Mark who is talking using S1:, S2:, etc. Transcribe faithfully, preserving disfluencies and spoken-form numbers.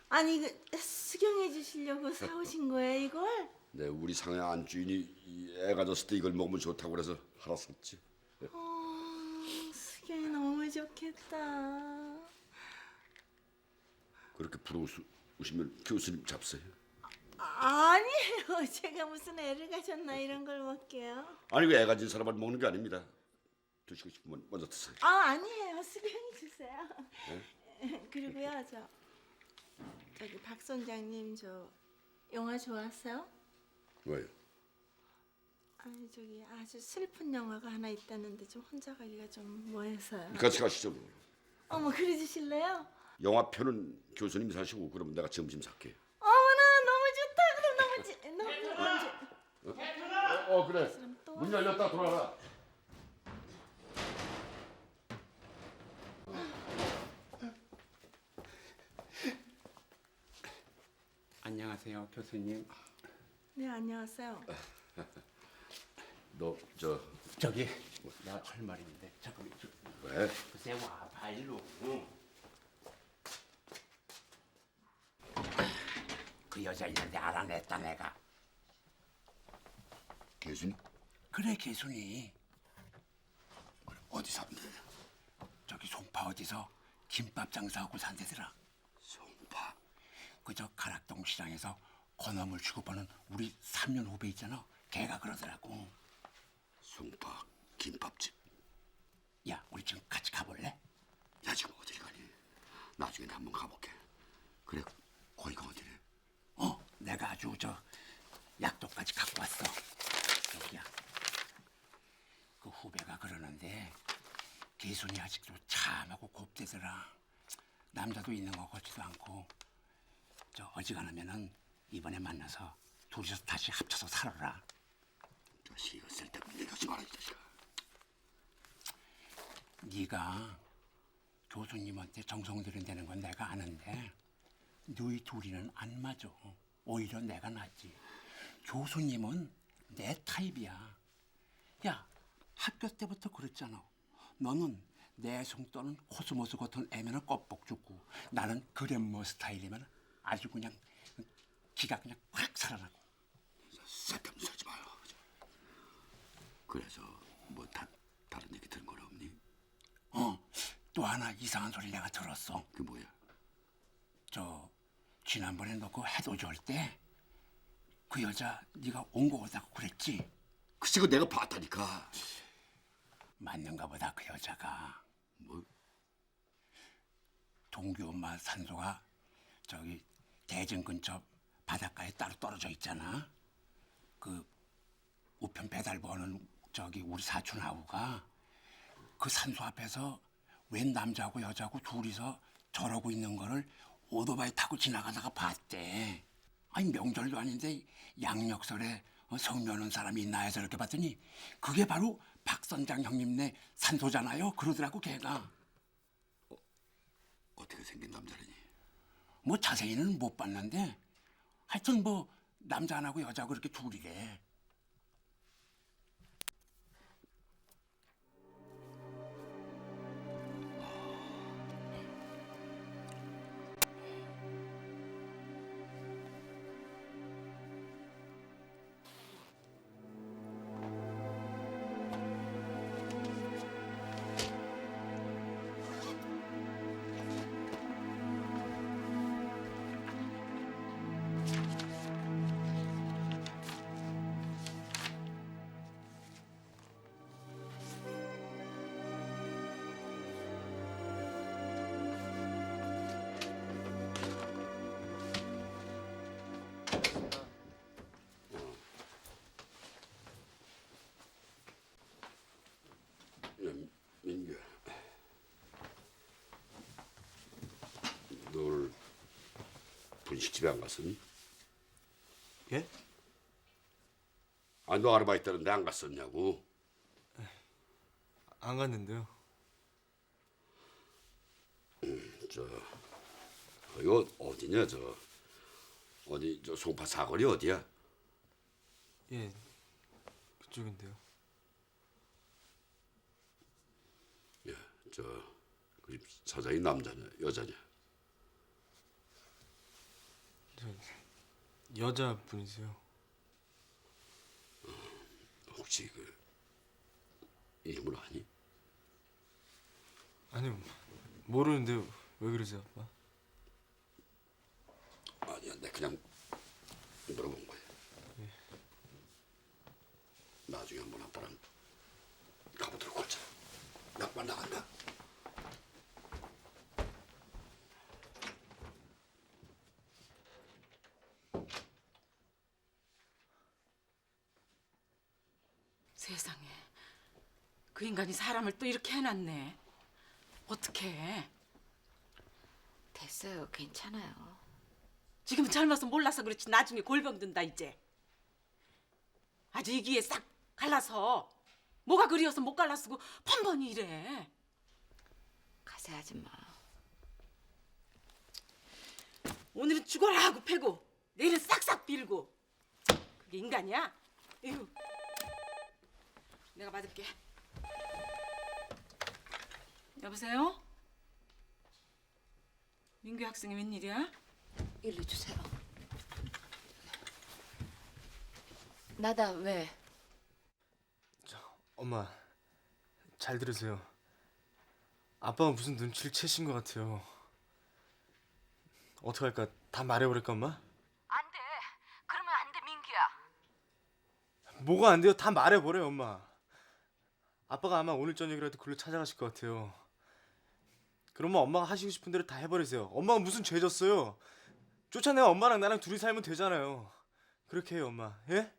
S1: 아니 이거 수경해 주시려고 사오신 거예요 이걸?
S2: 네, 우리 상해 안주인이 이 애가 졌을 때 이걸 먹으면 좋다고 그래서 하나 샀지.
S1: 어, 수경이 너무 좋겠다.
S2: 그렇게 부러우시면 교수님 잡세요.
S1: 아, 아니에요. 제가 무슨 애를 가졌나 이런 걸 먹게요.
S2: 아니 왜 애가 진 사람만 먹는 게 아닙니다. 드시고 싶으면 먼저 드세요.
S1: 아, 아니에요. 수경이 주세요. 그리고요, 저 저기 박 선장님 저 영화 좋아하세요?
S2: 왜요?
S1: 아니 저기 아주 슬픈 영화가 하나 있다는데 좀 혼자 가기가 좀 뭐해서요.
S2: 같이 가시죠. 뭐.
S1: 어머 그래 주실래요?
S2: 영화표는 교수님이 사시고 그러면 내가 점심 살게.
S1: 어머나 너무 좋다. 그럼 너무 지, 너무 너무 좋.
S2: 어, 어 그래.
S1: 그럼 또
S2: 문 열렸다 돌아가.
S3: 안녕하세요, 교수님.
S1: 네 안녕하세요.
S2: 너 저
S3: 저기 내가 할 말인데 잠깐만. 저,
S2: 왜?
S3: 글쎄 와봐 일로. 응. 그 여자 있는데 알아냈다 내가.
S2: 교수님?
S3: 그래 개순이.
S2: 어디 사는데?
S3: 저기 송파 어디서 김밥 장사하고 산대더라.
S2: 송파.
S3: 그저 가락동 시장에서 건어물 취급하는 우리 삼 년 후배 있잖아. 걔가 그러더라고.
S2: 송파 김밥집.
S3: 야 우리 지금 같이 가볼래?
S2: 야 지금 어디를 가니? 나중에 한번 가볼게. 그래 거기가 어디래?
S3: 어 내가 아주 저 약도까지 갖고 왔어. 여기야. 그 후배가 그러는데 개순이 아직도 참하고 곱대더라. 남자도 있는 것 같지도 않고. 저 어지간하면은 이번에 만나서 둘이서 다시 합쳐서 살아라.
S2: 자식이 쓸데없는 얘기 하지 마라 이 자식아.
S3: 네가 교수님한테 정성 들인다는 건 내가 아는데 너희 둘이는 안 맞아. 오히려 내가 낫지. 교수님은 내 타입이야. 야 학교 때부터 그랬잖아. 너는 내숭 떠는 코스모스 같은 애면은 껍복 죽고 나는 그랜머 스타일이면 아주 그냥 기가 그냥 확 살아나고.
S2: 쓸데없는 소리 하지 마요. 그래서 뭐 다, 다른 얘기 들은 건 없니?
S3: 어, 또 하나 이상한 소리 내가 들었어.
S2: 그게 뭐야?
S3: 저 지난번에 너 그 해돋이 올 때 그 여자 네가 온 거 같다고 그랬지?
S2: 글쎄 그 내가 봤다니까.
S3: 맞는가 보다. 그 여자가
S2: 뭐?
S3: 동규 엄마 산소가 저기 대전 근처 바닷가에 따로 떨어져 있잖아. 그 우편 배달 보는 저기 우리 사촌 아우가 그 산소 앞에서 웬 남자하고 여자하고 둘이서 저러고 있는 거를 오토바이 타고 지나가다가 봤대. 아니 명절도 아닌데 양력설에 성묘 오는 사람이 있나 해서 이렇게 봤더니 그게 바로 박 선장 형님네 산소잖아요. 그러더라고 걔가.
S2: 어떻게 생긴 남자라니?
S3: 뭐 자세히는 못 봤는데 하여튼 뭐 남자 하나고 여자하고 이렇게 둘이래.
S2: 야, 민규야. 너 오늘 분식집에 안 갔었니?
S4: 예?
S2: 아니 너 아르바이트 하는데 안 갔었냐고.
S4: 안 갔는데요.
S2: 저 이거 어디냐 저 어디 저 송파 사거리 어디야?
S4: 예, 그쪽인데요.
S2: 야, 저 그 집 사장이 남자냐 여자냐?
S4: 여자분이세요?
S2: 혹시 그 이름을 아니?
S4: 아니 모르는데 왜 그러세요, 아빠?
S2: 아니야, 내 그냥 물어본 거야. 나중에 한번 아빠랑 가보도록 하자. 나 아빠 나간다.
S5: 세상에, 그 인간이 사람을 또 이렇게 해놨네. 어떡해.
S6: 됐어요. 괜찮아요.
S5: 지금은 젊어서 몰라서 그렇지 나중에 골병 든다 이제. 아주 이기에 싹 갈라서 뭐가 그리워서 못 갈라쓰고 펀번이 이래.
S6: 가세 아줌마.
S5: 오늘은 죽어라 하고 패고 내일은 싹싹 빌고. 그게 인간이야? 에휴. 내가 받을게. 여보세요? 민규 학생이 웬일이야?
S6: 일로 주세요. 나다 왜?
S4: 엄마, 잘 들으세요. 아빠가 무슨 눈치를 채신 것 같아요. 어떡할까? 다 말해버릴까, 엄마?
S6: 안 돼. 그러면 안 돼, 민규야.
S4: 뭐가 안 돼요? 다 말해버려요, 엄마. 아빠가 아마 오늘 저녁이라도 글로 찾아가실 것 같아요. 그러면 엄마가 하시고 싶은 대로 다 해버리세요. 엄마가 무슨 죄 졌어요? 쫓아내면 엄마랑 나랑 둘이 살면 되잖아요. 그렇게 해요, 엄마. 예?